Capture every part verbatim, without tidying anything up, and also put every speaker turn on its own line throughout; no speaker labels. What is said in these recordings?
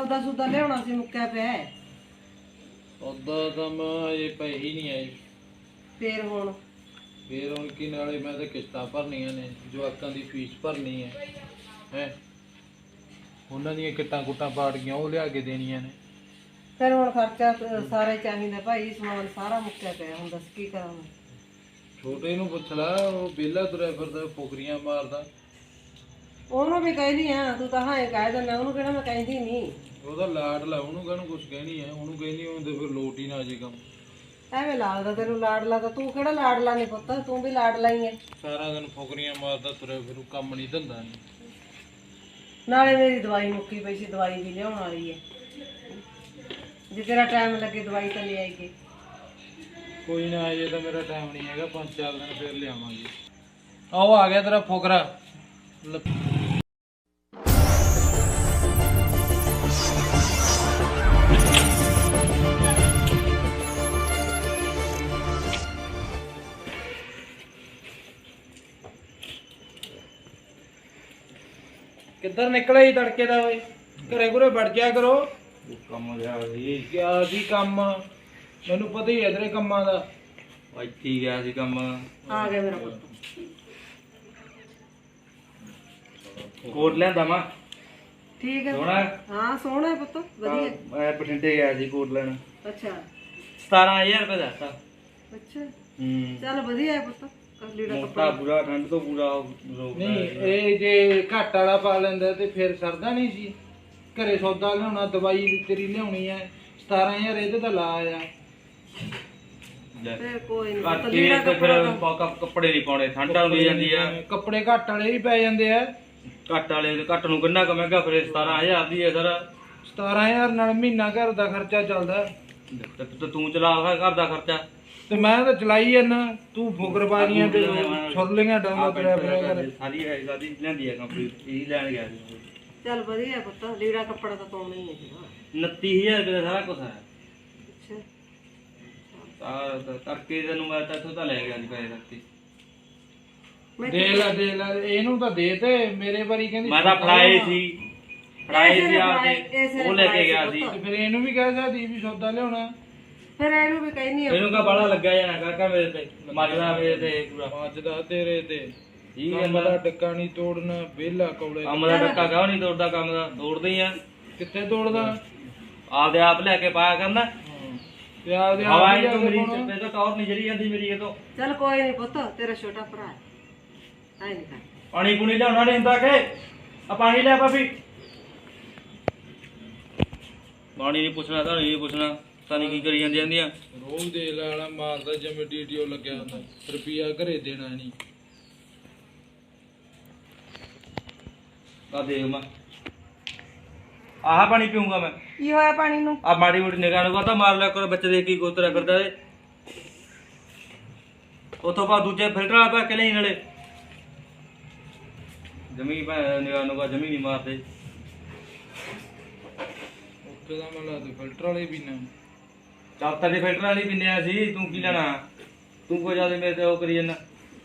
ਸੌਦਾ ਸੂਦਾ ਲਿਆਉਣਾ ਸੀ ਮੁੱਕਿਆ ਪਿਆ ਹੈ।
ਸੌਦਾ ਤਾਂ ਮੈਂ ਇਹ ਪਈ ਹੀ ਨਹੀਂ ਆਈ।
ਫੇਰ ਹੁਣ
ਫੇਰ ਹੁਣ ਕੀ ਨਾਲੇ ਮੈਂ ਤਾਂ ਕਿਸ਼ਤਾਂ ਭਰਨੀਆਂ ਨੇ, ਜਵਾਕਾਂ ਦੀ ਫੀਸ ਭਰਨੀ ਹੈ ਹੈ ਉਹਨਾਂ ਦੀਆਂ ਕਿੱਟਾਂ ਕੁੱਟਾਂ ਪਾੜ ਗਈਆਂ ਉਹ ਲਿਆ ਕੇ ਦੇਣੀਆਂ ਨੇ।
ਫਿਰ ਹੁਣ ਖਰਚਾ ਸਾਰੇ ਚਾਹੀਦਾ ਭਾਈ, ਸਮਾਨ ਸਾਰਾ ਮੁੱਕਿਆ ਪਿਆ, ਹੁਣ ਦੱਸ ਕੀ ਕਰਾਂ ਮੈਂ।
ਛੋਟੇ ਨੂੰ ਪੁੱਛ ਲਾ, ਉਹ ਵਿਹਲਾ ਤੁਰਿਆ ਫਿਰਦਾ ਫੁਕਰੀਆਂ ਮਾਰਦਾ।
ਉਹਨੂੰ ਵੀ ਕਹਿੰਦੀ ਆ, ਤੂੰ ਤਾਂ ਹਾਂ ਕਹਿ ਦਿੰਦਾ, ਉਹਨੂੰ ਕਿਹੜਾ ਮੈਂ ਕਹਿੰਦੀ ਨਹੀਂ।
ਉਹਦਾ ਲਾਡ ਲਾ, ਉਹਨੂੰ ਕਹਿਣ ਕੁਛ ਕਹਿਣੀ ਹੈ, ਉਹਨੂੰ ਕਹਿੰਦੀ ਹੁੰਦੇ ਫਿਰ ਲੋਟ ਹੀ ਨਾ ਜੇ ਕੰਮ।
ਐਵੇਂ ਲੱਗਦਾ ਤੈਨੂੰ ਲਾਡਲਾ, ਤਾਂ ਤੂੰ ਕਿਹੜਾ ਲਾਡਲਾ ਨਹੀਂ ਪੁੱਤ, ਤੂੰ ਵੀ ਲਾਡਲਾ ਹੀ ਹੈ।
ਸਾਰਾ ਦਿਨ ਫੁਕਰੀਆਂ ਮਾਰਦਾ ਤੁਰਿਆ ਫਿਰੂ, ਕੰਮ ਨਹੀਂ ਧੰਦਾ ਨਹੀਂ।
ਨਾਲੇ ਮੇਰੀ ਦਵਾਈ ਮੁੱਕੀ ਪਈ ਸੀ, ਦਵਾਈ ਵੀ ਲਿਆਉਣ ਵਾਲੀ ਹੈ, ਜੇ ਤੇਰਾ ਟਾਈਮ ਲੱਗੇ ਦਵਾਈ ਤਾਂ ਲੈ ਆਈਏ।
ਕੋਈ ਨਾ, ਅਜੇ ਤਾਂ ਮੇਰਾ ਟਾਈਮ ਨਹੀਂ ਹੈਗਾ, ਪੰਜ ਚਾਰ ਦਿਨ ਫਿਰ ਲਿਆਵਾਂਗੇ। ਆਓ ਆ ਗਿਆ ਤੇਰਾ ਫੁਕਰਾ। ਕਿੱਧਰ ਨਿਕਲਿਆ ਜੀ ਤੜਕੇ ਦਾ? ਓਏ ਘਰੇ ਘੁਰੇ ਵੜ ਜਾ ਕਰੋ।
ਕੰਮ ਗਿਆ ਸੀ,
ਕਿਆ ਸੀ ਕੰਮ? ਮੈਨੂੰ ਪਤਾ ਹੀ ਹੈ ਤੇਰੇ ਕੰਮਾਂ ਦਾ।
ਇੱਥੇ ਹੀ ਗਿਆ ਸੀ ਕੰਮ।
ਆ ਗਿਆ ਮੇਰਾ ਪੁੱਤ।
ਕੋਟ ਲਿਆਂਦਾ ਮੈਂ।
ਠੀਕ ਹੈ
ਸੋਹਣਾ?
ਹਾਂ ਸੋਹਣਾ ਹੈ ਪੁੱਤ, ਵਧੀਆ।
ਮੈਂ ਬਠਿੰਡੇ ਗਿਆ ਸੀ ਕੋਟ ਲੈਣ।
ਅੱਛਾ
ਸਤਾਰਾਂ ਹਜ਼ਾਰ ਰੁਪਏ ਦਾ ਦਿੱਤਾ।
ਅੱਛਾ
ਹੂੰ,
ਚੱਲ ਵਧੀਆ ਹੈ ਪੁੱਤ, ਲੀੜਾ
ਮੋਟਾ
ਕੱਪੜਾ।
ਪੂਰਾ, ਠੰਡ ਤੋਂ ਪੂਰਾ ਰੋਕ
ਨਹੀਂ ਇਹ ਜੇ ਘੱਟ ਵਾਲਾ ਪਾ ਲੈਂਦਾ ਤੇ ਫਿਰ ਸਰਦਾ ਨਹੀਂ ਸੀ। ਘਰੇ ਸੌਦਾ ਲਿਆਉਣਾ, ਦਵਾਈ ਤੇਰੀ ਲਿਆਉਣੀ ਹੈ, ਸਤਾਰਾਂ ਹਜ਼ਾਰ ਇਹਦੇ ਤਾਂ ਲਾ ਆ।
ਫਿਰ ਕੋਈ ਨਹੀਂ
ਘੱਟ
ਪੁੱਤ,
ਹੀ
ਲੀੜਾ
ਤੇ ਫਿਰ
ਕੱਪੜਾ।
ਪਾ- ਕੱਪੜੇ ਨਹੀਂ ਪਾਉਣੇ, ਠੰਡ ਆਉਂਦੀ ਜਾਂਦੀ ਆ।
ਕੱਪੜੇ ਘੱਟ ਵਾਲੇ ਹੀ ਪੈ ਜਾਂਦੇ ਆ।
ਘੱਟ ਵਾਲੇ ਘੱਟ ਨੂੰ ਕਿੰਨਾ ਕੁ ਮਹਿੰਗਾ, ਫਿਰ ਸਤਾਰਾਂ ਹਜ਼ਾਰ ਦੀ ਹੈ ਸਰ।
ਸਤਾਰਾਂ ਹਜ਼ਾਰ ਨਾਲ ਮਹੀਨਾ ਘਰ ਦਾ ਖਰਚਾ ਚੱਲਦਾ।
ਤੇ ਤੇ ਤੂੰ ਚਲਾ ਘਰ ਦਾ ਖਰਚਾ।
ਤੇ ਮੈਂ ਤਾਂ ਚਲਾਈ ਜਾਂਦਾ, ਤੂੰ ਫੁਕਰਬਾਨੀਆਂ ਤੇ ਛੁਰਲੀਆਂ ਡਾਉਂਦਾ ਤੁਰਿਆ ਫਿਰਿਆ ਕਰ।
ਸਾਰੀ ਹੈ ਸਾਡੀ ਲੈਂਦੀ ਹੈ ਕੰਪਨੀ, ਇਹੀ ਲੈਣ ਗਿਆ ਸੀ।
ਚੱਲ ਵਧੀਆ ਪੁੱਤ, ਲੀੜਾ ਕੱਪੜਾ ਤਾਂ ਪਾਉਣਾ ਹੀ ਹੈ ਜਿਹੜਾ।
ਉਨੱਤੀ ਹਜ਼ਾਰ ਰੁਪਏ ਦਾ ਸਾਰਾ ਕੁਛ ਹੈ।
ਅੱਛਾ
ਤਾਂ ਕਰਕੇ ਤੈਨੂੰ ਮੈਂ ਤਾਂ ਇੱਥੋਂ ਤਾਂ ਲੈ ਗਿਆ ਸੀ ਪੈਸੇ ਰੱਖੀ।
ਮੈਂ
ਦੇ ਲੈ ਦੇ ਲੈ, ਇਹਨੂੰ ਤਾਂ ਦੇ ਤੇ ਮੇਰੇ ਵਾਰੀ ਕਹਿੰਦੀ
ਮੈਂ ਤਾਂ ਫੜਾਏ ਸੀ, ਫੜਾਏ
ਇਸੇ
ਸੀ
ਨੇ
ਆ
ਫੜਾਏ,
ਕੇ
ਇਸੇ ਨੇ
ਉਹ ਲੈ ਕੇ
ਫੜਾਏ
ਗਿਆ
ਸੀ
ਸੀ।
ਪੁੱਤ।
ਤੇ ਫਿਰ ਇਹਨੂੰ ਵੀ ਕਹਿ ਸਕਦੀ ਵੀ ਸੌਦਾ ਲਿਆਉਣਾ।
ਫਿਰ ਇਹਨੂੰ ਵੀ ਕਹਿਨੀ ਆ
ਇਹਨੂੰ ਕਾ ਬਾਲਾ ਲੱਗਾ ਜਾਣਾ ਕਾਕਾ ਮੇਰੇ ਤੇ, ਮੱਜਦਾ ਮੇਰੇ ਤੇ ਪੂਰਾ।
ਮੱਚਦਾ ਤੇਰੇ ਤੇ।
ਠੀਕ ਹੈ
ਕੰਮ ਦਾ ਟਿੱਕਾ ਨਹੀਂ ਤੋੜਨਾ, ਵਿਹਲਾ ਕੌਲੇ।
ਕੰਮ ਦਾ ਟੱਕਾ ਕਾਹ ਨਹੀਂ ਤੋੜਦਾ, ਕੰਮ ਦਾ ਤੋੜਦੇ ਹੀ ਆ।
ਕਿੱਥੇ ਤੋੜਦਾ?
ਆਪਦੇ ਆਪ ਲੈ ਕੇ ਪਾਇਆ ਕਰਨਾ।
ਤੇ ਆਪਦੇ
ਹਵਾ
ਆਪ
ਹੀ
ਹੀ
ਤੋਂ ਮੇਰੀ
ਪਾਉਣਾ।
ਤੇ ਤਾਂ ਟੌਰ ਨਹੀਂ ਜਰੀ ਜਾਂਦੀ ਮੇਰੀ ਇਹ ਤੋਂ।
ਚੱਲ ਕੋਈ ਨਹੀਂ ਪੁੱਤ, ਤੇਰਾ ਛੋਟਾ ਭਰਾ ਹੈ, ਐ ਨਹੀਂ ਕਰ।
ਪਾਣੀ ਪੂਣੀ ਲਿਆਉਣਾ ਨਹੀਂ ਹੁੰਦਾ ਕਿ ਆ ਪਾਣੀ ਲੈ ਭਾਬੀ। ਪਾਣੀ ਨਹੀਂ ਪੁੱਛਣਾ ਤਾਂ ਨਹੀਂ ਪੁੱਛਣਾ, ਤਾਂ ਨਹੀਂ ਕੀ ਕਰੀ ਜਾਂਦੀ ਜਾਂਦੀਆਂ।
ਰੋਜ਼ ਦੇ ਲਾਲਾ ਮਾਰਦਾ ਜਿਵੇਂ ਡੀਟੀਓ ਲੱਗਿਆ ਹੁੰਦਾ, ਰੁਪਿਆ ਘਰੇ ਦੇਣਾ ਨਹੀਂ।
ਆ ਦੇਖ ਮੈਂ ਆਹ ਪਾਣੀ ਪੀਊਂਗਾ ਮੈਂ।
ਕੀ ਹੋਇਆ ਪਾਣੀ ਨੂੰ?
ਆ ਮਾੜੀ ਮੋਟੀ ਨਿਗਾਹ ਨੂੰ ਤਾਂ ਮਾਰ ਲਿਆ ਕਰੋ, ਬੱਚੇ ਦੇ ਕੀ ਕੋਤਰਾ ਫਿਰਦਾ ਏ। ਉਥੋਂ ਬਾਅਦ ਦੂਜੇ ਫਿਲਟਰ ਵਾਲਾ ਪਾ ਕੇ ਲਈ ਨਾਲੇ ਜਮੀ ਭੈ ਨਿਗਾਹ ਨੂੰ ਜਮੀ ਨਹੀਂ ਮਾਰਦੇ।
ਉੱਥੇ ਦਾ ਮੈਂ ਲਾ ਦੇ ਫਿਲਟਰ ਵਾਲੇ ਵੀ ਨਾ।
ਚੱਲ ਤਾਂ ਫਿਲਟਰ ਵਾਲੀ ਪੀਂਦੇ ਆ ਸੀ, ਤੂੰ ਕੀ ਲੈਣਾ? ਤੂੰ ਕੋਈ ਜ਼ਿਆਦਾ ਮੇਰੇ ਤੇ ਉਹ ਕਰੀ ਜਾਂਦਾ।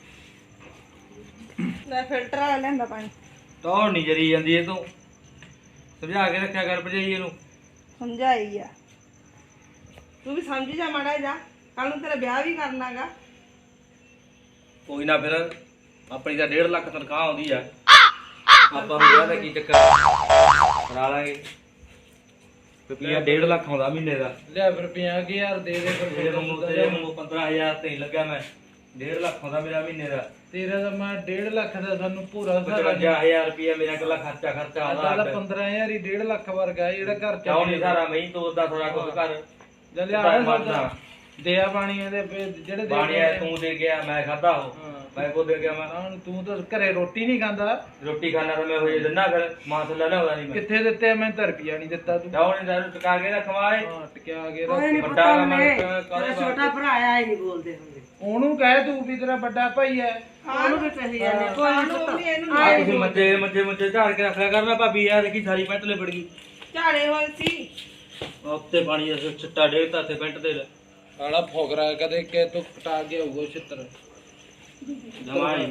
ਲੈ ਫਿਲਟਰ ਵਾਲਾ ਲੈਂਦਾ ਪਾਣੀ।
ਟੌਰ ਨਹੀਂ ਜਰੀ ਜਾਂਦੀ ਇਹ ਤੋਂ, ਸਮਝਾ ਕੇ ਰੱਖਿਆ ਕਰ ਭਜਾਈ ਇਹਨੂੰ।
ਸਮਝਾਈ ਆ, ਤੂੰ ਵੀ ਸਮਝ ਜਾ ਮਾੜਾ ਜਾ, ਕੱਲ ਨੂੰ ਤੇਰਾ ਵਿਆਹ ਵੀ ਕਰਨਾਗਾ।
ਕੋਈ ਨਾ ਫਿਰ ਆਪਣੀ ਤਾਂ ਡੇਢ ਲੱਖ ਤਨਖਾਹ ਆਉਂਦੀ ਆ, ਆਪਾਂ ਨੂੰ ਵਿਆਹ ਦਾ ਕੀ ਚੱਕਰ, ਕਰਾ ਲਾਂਗੇ। ਰੁਪਈਆ ਡੇਢ ਲੱਖ ਆਉਂਦਾ ਮਹੀਨੇ ਦਾ।
ਲਿਆ ਫਿਰ ਪੰਜਾਹ ਕੁ ਹਜ਼ਾਰ ਦੇ ਦੇ ਫਿਰ।
ਮੇਰੇ ਨੂੰ ਤੇਰੇ ਨੂੰ ਪੰਦਰਾਂ ਹਜ਼ਾਰ ਤੇ ਨਹੀਂ ਲੱਗਾ, ਮੈਂ ਡੇਢ ਲੱਖ ਆਉਂਦਾ ਮੇਰਾ ਮਹੀਨੇ ਦਾ।
ਤੇਰਾ ਤਾਂ ਮੈਂ ਡੇਢ ਲੱਖ ਦਾ ਸਾਨੂੰ ਪੂਰਾ ਸਾਰਾ
ਪਚਵੰਜਾ ਹਜ਼ਾਰ ਰੁਪਈਆ ਮੇਰਾ ਇਕੱਲਾ ਖਰਚਾ ਖਰਚਾ
ਆਉਂਦਾ
ਆਉਂਦਾ।
ਪੰਦਰਾਂ ਹਜ਼ਾਰ ਹੀ ਡੇਢ ਲੱਖ ਵਰਗਾ ਹੈ ਜਿਹੜਾ ਘਰ
ਕਿਉਂ ਨਹੀਂ ਸਾਰਾ ਮੈਂ ਹੀ ਤੋਰਦਾ ਥੋੜਾ ਕੁਝ ਘਰ।
ਜਦ ਲਿਆ ਸੌਦਾ ਦਿਆ ਪਾਣੀ ਇਹਦੇ ਜਿਹੜੇ ਦੇ
ਬਾਣੀਆ ਤੂੰ ਦੇ ਗਿਆ, ਮੈਂ ਖਾਦਾ ਉਹ ਮੈਂ ਕੋ ਦੇ ਗਿਆ। ਮੈਂ
ਹਾਂ, ਤੂੰ ਤਾਂ ਘਰੇ ਰੋਟੀ ਨਹੀਂ ਖਾਂਦਾ।
ਰੋਟੀ ਖਾਣਾ ਤਾਂ ਮੈਂ ਹੋਈ ਦਿੰਦਾ, ਫਿਰ ਮਾਂ ਥੱਲੇ ਲਿਆਉਂਦਾ ਨਹੀਂ ਮੈਂ।
ਕਿੱਥੇ ਦਿੱਤੇ? ਮੈਂ ਤਾਂ ਰੁਪਿਆ ਨਹੀਂ ਦਿੱਤਾ ਤੂੰ।
ਜਾਓ ਨਹੀਂ ਦਾਰੂ ਟਕਾ ਕੇ ਰਖਵਾਏ।
ਹਾਂ ਟਕਿਆ ਕੇ
ਕੋਈ ਨਹੀਂ
ਰੱਖ।
ਪਤਾ
ਵੱਡਾ
ਉਹਨੇ,
ਕੰਮ
ਤੇਰਾ ਛੋਟਾ ਭਰਾ ਆ ਹੀ ਨਹੀਂ ਬੋਲਦੇ ਹੁੰਦੇ।
ਉਹਨੂੰ ਕਹਿ ਤੂੰ ਵੀ ਤੇਰਾ ਵੱਡਾ ਭਾਈ ਹੈ।
ਉਹਨੂੰ ਵੀ ਕਹੀ ਜਾਂਦੇ, ਕੋਈ ਨਹੀਂ ਪਤਾ।
ਆ ਤੁਸੀਂ ਮੱਝੇ ਮੱਝੇ ਮੱਝੇ ਝਾੜ ਕੇ ਰੱਖਿਆ ਕਰਨਾ ਭਾਬੀ ਯਾਰ, ਦੇਖੀ ਸਾਰੀ ਪੈਂਟ ਲੈ ਫੜ ਗਈ।
ਝਾੜੇ ਹੋਏ ਸੀ
ਉੱਤੇ ਪਾਣੀ ਦਾ ਛਿੱਟਾ ਡੇਗਤਾ ਤੇ ਪੈਂਟ ਤੇ
ਆਲਾ ਫੋਗਰਾ ਕਦੇ ਕਿ ਤੂੰ ਕਟਾ ਕੇ ਆਊਗਾ ਛਿੱਤਰ
ਜਮਾਈ।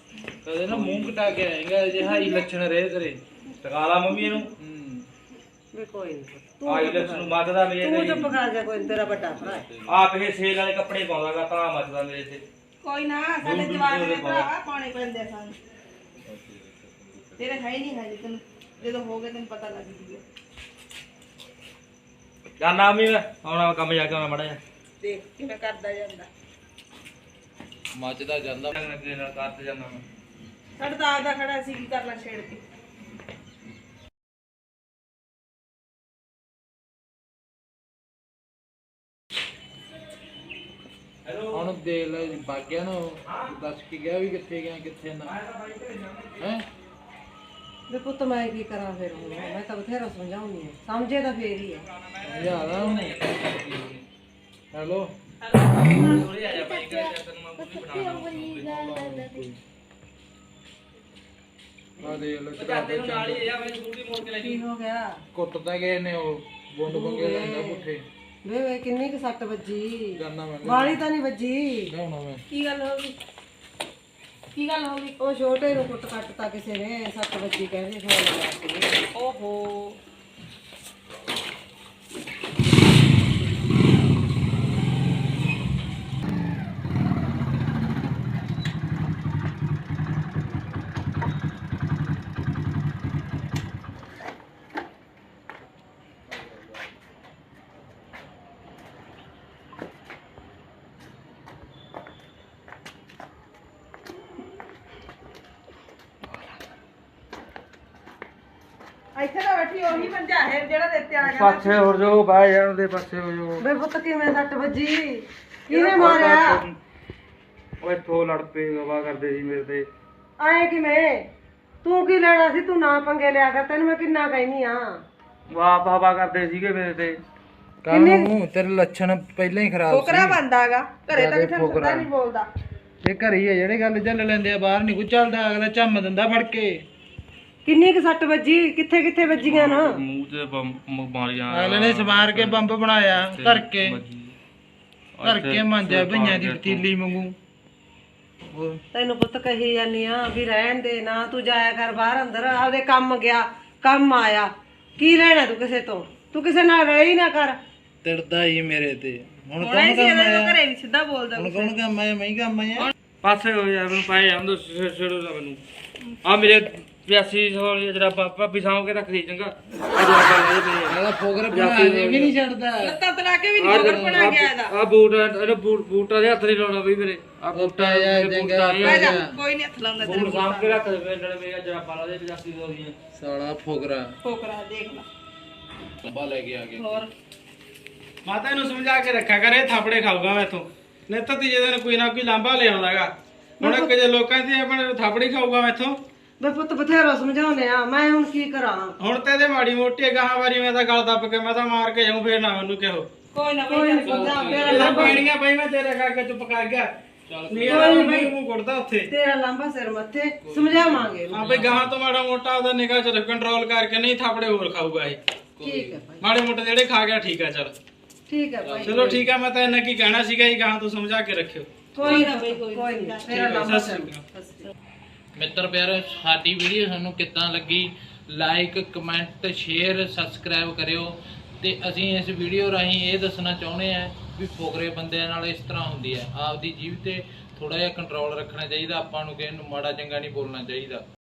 ਕਦੇ ਨਾ ਮੂੰਹ ਕਟਾ ਕੇ ਆਏਗਾ, ਜੇ ਹਾਈ ਲੱਛਣ ਰਹੇ ਤੇਰੇ।
ਟਕਾ ਲਾ ਮੰਮੀ ਇਹਨੂੰ।
ਹੂੰ
ਵੀ ਕੋਈ ਨਹੀਂ ਤੂੰ
ਆਈਲੈਟਸ ਨੂੰ ਮੱਚਦਾ ਮੇਰੇ
ਤੂੰ
ਤੇ
ਚੁੱਪ ਕਰ ਜਾ, ਕੋਈ ਨੀ, ਤੇਰਾ ਵੱਡਾ ਭਰਾ ਹੈ।
ਆਪ ਇਹ ਸੇਲ ਵਾਲੇ ਕੱਪੜੇ ਪਾਉਂਦਾਗਾ ਤਾਂ ਮੱਚਦਾ ਮੇਰੇ ਤੇ।
ਕੋਈ ਨਾ ਸਾਡੇ ਜਵਾਕ ਦੇ ਭਰਾਵਾ ਪਾਉਣੇ ਪੈਂਦੇ ਆ ਸਾਨੂੰ। ਤੇਰੇ ਹੈ ਹੀ ਨਹੀਂ ਹਜੇ, ਤੈਨੂੰ ਜਦੋਂ ਹੋ ਗਏ ਤੈਨੂੰ ਪਤਾ ਲੱਗ ਜੂਗਾ।
ਜਾਨਾ ਵੀ ਮੈਂ ਆਉਣਾ ਕੰਮ ਜਾ ਕੇ ਆਉਣਾ ਮੜਾ ਜਾ
ਦੇਖ ਕਿਵੇਂ ਕਰਦਾ ਜਾਂਦਾ।
ਮੱਚਦਾ ਜਾਂਦਾ।
ਅੱਗੇ ਨਾਲ ਕਰਤੇ ਜਾਂਦਾ ਮੈਂ।
ਸਾਡਾ ਤਾਂ ਆਪਦਾ ਖੜਾ ਸੀ, ਕੀ ਕਰਨਾ ਛੇੜ ਕੇ।
ਹੁਣ ਦੇਖ ਲੈ ਬਾਗਿਆ ਨੂੰ ਦੱਸ ਕੇ ਗਿਆ ਵੀ ਕਿੱਥੇ ਗਿਆ ਕਿੱਥੇ ਨਾ ਹੈ।
ਵੀ ਪੁੱਤ ਮੈਂ ਕੀ ਕਰਾਂ ਫਿਰ ਹੁਣ, ਮੈਂ ਤਾਂ ਬਥੇਰਾ ਸਮਝਾਉਣੀ ਆ, ਸਮਝੇ ਤਾਂ ਫੇਰ ਹੀ ਆ।
ਸਮਝਾਦਾ ਉਹਨੂੰ। ਹੈਲੋ
ਥੋੜੀ ਆ ਜਾ ਭਾਈ ਕਰ ਤੈਨੂੰ ਮੈਂ ਪੂਰੀ ਬਣਾ
ਆ ਦੇਖ ਲੈ
ਜਾਂਦੇ ਨੂੰ ਨਾਲ ਹੀ ਆ ਮੈਂ ਸਕੂਟੀ ਮੋੜ ਕੇ ਲੈ
ਕੀ ਹੋ ਗਿਆ?
ਕੁੱਟਦਾ ਗਏ ਨੇ ਉਹ ਬੁੰਡ ਬੰਗੇ ਲੈਂਦਾ ਪੁੱਠੇ।
ਵੇ ਵੇ ਕਿੰਨੀ ਕੁ ਸੱਟ ਵੱਜੀ?
ਜਾਨਾ ਮੈਂ
ਵਾਲੀ ਤਾਂ ਨਹੀਂ ਵੱਜੀ।
ਲਿਆਉਣਾ ਮੈਂ।
ਕੀ ਗੱਲ ਹੋ ਗਈ? ਕੀ ਗੱਲ ਹੋ ਗਈ?
ਉਹ ਛੋਟੇ ਨੂੰ ਕੁੱਟ ਕੱਟਤਾ ਕਿਸੇ ਨੇ, ਸੱਟ ਵੱਜੀ ਕਹਿੰਦੇ ਫੋਨ ਲਾਇਆ ਸੀ।
ਓਹੋ ਇੱਥੇ ਤਾਂ ਬੈਠੀ ਉਹੀ ਮੰਜਾ ਹੈ ਜਿਹੜਾ ਦਿੱਤੇ ਆ ਗਿਆ।
ਪਾਸੇ ਹੋ ਜਾਓ ਬਾਹਰ ਜਾਣ ਦੇ ਪਾਸੇ ਹੋ ਜਾਓ।
ਵੇ ਪੁੱਤ ਕਿਵੇਂ ਸੱਟ ਵੱਜੀ? ਕਿਹਨੇ ਮਾਰਿਆ?
ਓਏ ਥੋ ਲੜ ਪਏ ਗਵਾ ਕਰਦੇ ਸੀ ਮੇਰੇ ਤੇ।
ਆਏ ਕਿਵੇਂ? ਤੂੰ ਕੀ ਲੈਣਾ ਸੀ? ਤੂੰ ਨਾ ਪੰਗੇ ਲਿਆ ਕਰ, ਤੈਨੂੰ ਮੈਂ ਕਿੰਨਾ ਕਹਿਨੀ ਆ।
ਵਾਹ ਹਵਾ ਕਰਦੇ ਸੀਗੇ ਮੇਰੇ ਤੇ।
ਕਾਹਨੂੰ ਤੇਰੇ ਲੱਛਣ ਪਹਿਲਾਂ ਹੀ ਖਰਾਬ
ਫੋਕਰਾ ਬੰਦਾਗਾ ਘਰੇ ਤਾਂ ਕਿਸੇ ਨੂੰ
ਫੋਕਰਾ।
ਸੱਦਾ ਨਹੀਂ ਬੋਲਦਾ।
ਇਹ ਘਰੇ ਹੀ ਆ ਜਿਹੜੇ ਗੱਲ ਚੱਲ ਲੈਂਦੇ ਆ, ਬਾਹਰ ਨਹੀਂ ਕੋਈ ਚੱਲਦਾ। ਅਗਲਾ ਝੰਮ ਦਿੰਦਾ ਫੜ ਕੇ।
ਕਿੰਨੀ ਕੁ ਸੱਟ ਵੱਜੀ? ਕਿੱਥੇ ਕਿੱਥੇ ਵੱਜੀਆਂ ਨਾ?
ਮੂੰਹ ਤੇ ਬੰਬ ਮਾਰੀਆਂ।
ਅਗਲੇ ਨੇ ਸਮਾਰ ਕੇ ਬੰਬ ਬਣਾਇਆ ਧਰ ਕੇ ਧਰ ਕੇ ਮਾਂਜਿਆ ਭਈਆਂ ਦੀ ਪਤੀਲੀ ਵਾਂਗੂ। ਉਹ
ਤੈਨੂੰ ਪੁੱਤ ਕਹੀ ਜਾਨੀ ਆ ਵੀ ਰਹਿਣ ਦੇ ਨਾ, ਤੂੰ ਜਾਇਆ ਕਰ ਬਾਹਰ ਅੰਦਰ, ਆਪਦੇ ਕੰਮ ਗਿਆ, ਕੰਮ ਆਇਆ। ਕੀ ਲੈਣਾ ਤੂੰ ਕਿਸੇ ਤੋਂ? ਤੂੰ ਕਿਸੇ ਨਾਲ ਰਹਿ ਹੀ ਨਾ ਕਰ।
ਤਿੜਦਾ ਹੀ ਮੇਰੇ ਤੇ। ਹੁਣ
ਹੋਣਾ
ਕੌਣ
ਹੀ ਸੀ
ਕੰਮ
ਇਹਦੇ
ਆਇਆ?
ਘਰੇ ਵੀ ਸਿੱਧਾ ਬੋਲਦਾ।
ਹੁਣ ਕੌਣ ਕੰਮ ਆਇਆ? ਮੈਂ ਹੀ ਕੰਮ ਆਇਆ।
ਪਾਸੇ ਹੋ ਜਾ ਮੈਨੂੰ ਪਾਏ ਜਾਂਦੋ ਛੇੜੋ ਨਾ ਮੈਨੂੰ। ਆ ਮੇਰੇ ਪਿਆਸੀ ਸੌ ਜਿਹੜਾ ਭਾਬੀ ਸਾਂਭ ਕੇ ਰੱਖਦੀ ਚੰਗਾ।
ਇਹਦਾ ਫੋਗਰ ਬਣਾ ਦੇ ਵੀ ਨਹੀਂ ਛੱਡਦਾ।
ਲੱਤਾਂ ਤਲਾ ਕੇ ਵੀ ਨਹੀਂ ਫੋਕਰ ਬਣਾ ਗਿਆ ਇਹਦਾ।
ਆ ਬੂਟ ਇਹਦਾ ਬੂਟ ਬੂਟਾਂ ਦੇ ਹੱਥ ਨਹੀਂ ਲਾਉਣਾ ਬਈ ਮੇਰੇ। ਆ
ਬੂਟਾ ਜਾ ਚੰਗਾ
ਬਹਿ ਜਾ, ਕੋਈ ਨਹੀਂ ਹੱਥ ਲਾਉਂਦਾ ਤੇਰੇ
ਬੂਟ ਸਾਂਭ ਕੇ ਰੱਖ ਦੇ ਮੇਰੇ ਮੇਰਾ ਜਰਾਬਾਂ ਦੇ ਪਿਆਸੀ ਸੌ ਦੀਆਂ।
ਸਾਲਾ ਫੋਗਰਾ
ਫੋਕਰਾ ਦੇਖ ਲਾ।
ਲੰਬਾ ਲੈ ਕੇ ਆ ਗਿਆ।
ਹੋਰ
ਮਾਤਾ ਇਹਨੂੰ ਸਮਝਾ ਕੇ ਰੱਖਿਆ ਕਰ, ਇਹ ਥਾਪੜੇ ਖਾਊਗਾ ਮੈਥੋਂ। ਨਹੀਂ ਤਾਂ ਤੀਜੇ ਦਿਨ ਕੋਈ ਨਾ ਕੋਈ ਲਾਂਭਾ ਲੈ ਆਉਂਦਾਗਾ। ਹੁਣ ਇੱਕ ਜੇ ਲੋਕਾਂ ਦੀ ਆਪਣੇ ਥਾਪੜੀ ਖਾਊਗਾ ਮੈਥੋਂ।
ਵੇ ਪੁੱਤ ਬਥੇਰਾ ਸਮਝਾਉਨੇ ਆ, ਮੈਂ ਹੁਣ ਕੀ ਕਰਾਂ?
ਹੁਣ ਤੇ ਇਹਦੇ ਮਾੜੀ ਮੋਟੀ ਗਾਹਾਂ ਵਾਰੀ ਮੈਂ ਤਾਂ ਗਲ ਦੱਬ ਕੇ ਮੈਂ ਤਾਂ ਮਾਰ ਕੇ ਜਾਊਂ, ਫੇਰ ਨਾ ਮੈਨੂੰ ਕਿਹੋ।
ਕੋਈ ਨਾ
ਕੋਈ ਨੀ ਸਮਝਾ, ਤੇਰਾ
ਇਹਦਾ
ਲਾਂਭਾ
ਪੈਣੀਆਂ ਬਈ ਮੈਂ ਤੇਰੇ ਕਰਕੇ ਚੁੱਪ ਕਰ ਗਿਆ। ਨਹੀਂ ਇਹਦਾ ਮੂੰਹ ਮੂੰਹ ਕੁੱਟਦਾ ਉੱਥੇ।
ਤੇਰਾ ਲਾਂਭਾ ਸਿਰ ਮੱਥੇ, ਸਮਝਾਵਾਂਗੇ।
ਹਾਂ ਬਈ ਗਾਹਾਂ ਤੋਂ ਮਾੜਾ ਮੋਟਾ ਉਹਦਾ ਨਿਗਾਹ ਚ ਕੰਟਰੋਲ ਕਰਕੇ, ਨਹੀਂ ਥਾਪੜੇ ਹੋਰ ਖਾਊਗਾ ਇਹ।
ਠੀਕ ਹੈ ਭਾਈ,
ਮਾੜੇ ਮੋਟੇ ਜਿਹੜੇ ਖਾ ਗਿਆ ਠੀਕ ਆ। ਚੱਲ
ਠੀਕ ਹੈ ਭਾਈ।
ਚਲੋ ਠੀਕ ਆ, ਮੈਂ ਤਾਂ ਇਹਨਾਂ ਕੀ ਕਹਿਣਾ ਸੀਗਾ ਜੀ, ਗਾਹਾਂ ਤੋਂ ਸਮਝਾ ਕੇ ਰੱਖਿਓ।
ਕੋਈ ਨਾ ਬਈ, ਕੋਈ ਨਹੀਂ। ਤੇਰਾ ਲਾਂਭਾ ਸਿਰ ਮੱਥੇ।
ਮਿੱਤਰ ਪਿਆਰੇ, ਸਾਡੀ ਵੀਡੀਓ ਤੁਹਾਨੂੰ ਕਿੱਦਾਂ ਲੱਗੀ? ਲਾਈਕ ਕਮੈਂਟ ਸ਼ੇਅਰ ਸਬਸਕ੍ਰਾਈਬ ਕਰਿਓ। ਤੇ ਅਸੀਂ ਇਸ ਵੀਡੀਓ ਰਾਹੀਂ ਇਹ ਦੱਸਣਾ ਚਾਹੁੰਦੇ ਆ ਵੀ ਫੋਗਰੇ ਬੰਦਿਆਂ ਨਾਲ ਇਸ ਤਰ੍ਹਾਂ ਹੁੰਦੀ ਹੈ। ਆਪਦੀ ਜੀਭ ਤੇ ਥੋੜਾ ਜਿਹਾ ਕੰਟਰੋਲ ਰੱਖਣਾ ਚਾਹੀਦਾ। ਆਪਾਂ ਨੂੰ ਕਿਸੇ ਨੂੰ ਮਾੜਾ ਚੰਗਾ ਨਹੀਂ ਬੋਲਣਾ ਚਾਹੀਦਾ।